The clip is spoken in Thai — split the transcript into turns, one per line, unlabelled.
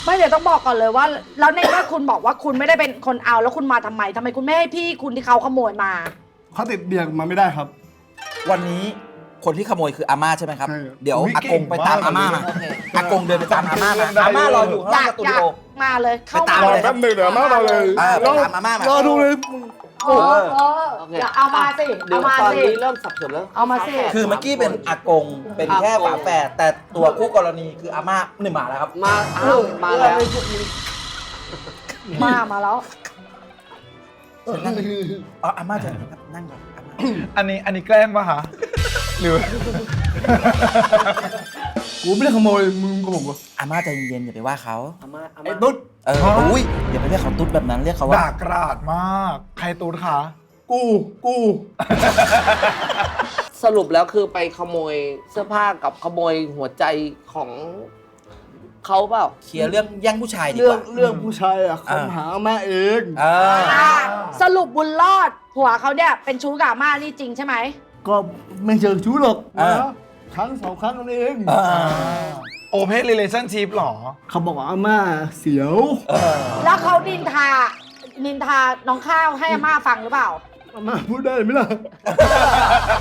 ไม่เดี๋ยวต้องบอกก่อนเลยว่าแล้วในเมื่อคุณบอกว่าคุณไม่ได้เป็นคนเอาแล้วคุณมาทำไมคุณไม่ให้พี่คุณที่เขาขโมยมา
เขาติดเบียงมาไม่ได้ครับ
วันนี้คนที่ขโมยคืออาม่าใช่ไหมครับ
ใช่ครับ
เดี๋ยว
อุ๊ย
อากงไปตามอาม่ามา
เก่งมากเลย
อากงเดินไปตามอาม่ามา
จำชื่อเรื่องได้
อาม่ารออยู่ข้าง
อ
ล่าง
ยาก
สตู
อ
ดิ
ยาก
โอ
มาเลยเข้า
ไปตาม
มา
รอ
เลย
แป๊บหนึ่งเดี๋ยวมาเลย
ไปตามอาม่ามาร
อดูเลย
โอ้เดี๋ยวเอามาสิ
เดี๋ย
เอา
ว
มา
ตอน
สิ
นี้เริ่มสับสนแล้ว
เอามาสิ
คือเมื่อกี้เป็นอากงเป็นแค่ฝาแฝดแต่ตัวคู่กรณีคืออาม่าหนึ่งหมาแล้วครับ
มาอ้าวมาแล้ว
มาแล้ว
อ๋ออาม่าเชิญครับนั่งก่อนอาม่า
อันนี้แกล้งปะคะหรือ
กูไม่ได้ขโมยมึงกับผมวะ
อาม่าใจเย็นๆอย่าไปว่าเขา
ไอ้ตุ๊ด
อุ้ยอย่าไปเรียกเขาตุ๊ดแบบนั้นเรียกเขาว่า
ด่ากราดมาก ใครตูดคะ
กู
สรุปแล้วคือไปขโมยเสื้อผ้ากับขโมยหัวใจของเขาเปล่า
เคลียร์เรื่องแย่งผู้ชายดี
เรื่
ก
อง
ว่า
เรื่องผู้ชายอะคำหาแม่เอง
เออ
สรุปบุญรอดผัวเขาเนี่ยเป็นชู้กับอาม่านี่จริงใช่ไหม
ก็ไม่เจอชู้หรอก
อ่า
นะครั้งสองครั้งนั่นเอง
โอเพนรีเลชั่นชิพหรอ
เขาบอกว่าอาม่าเสียว
แล้วเขานินทาน้องข้าวให้อาม่าฟังหรือเปล่า
อาม่าพูดได้ไหมล่ะ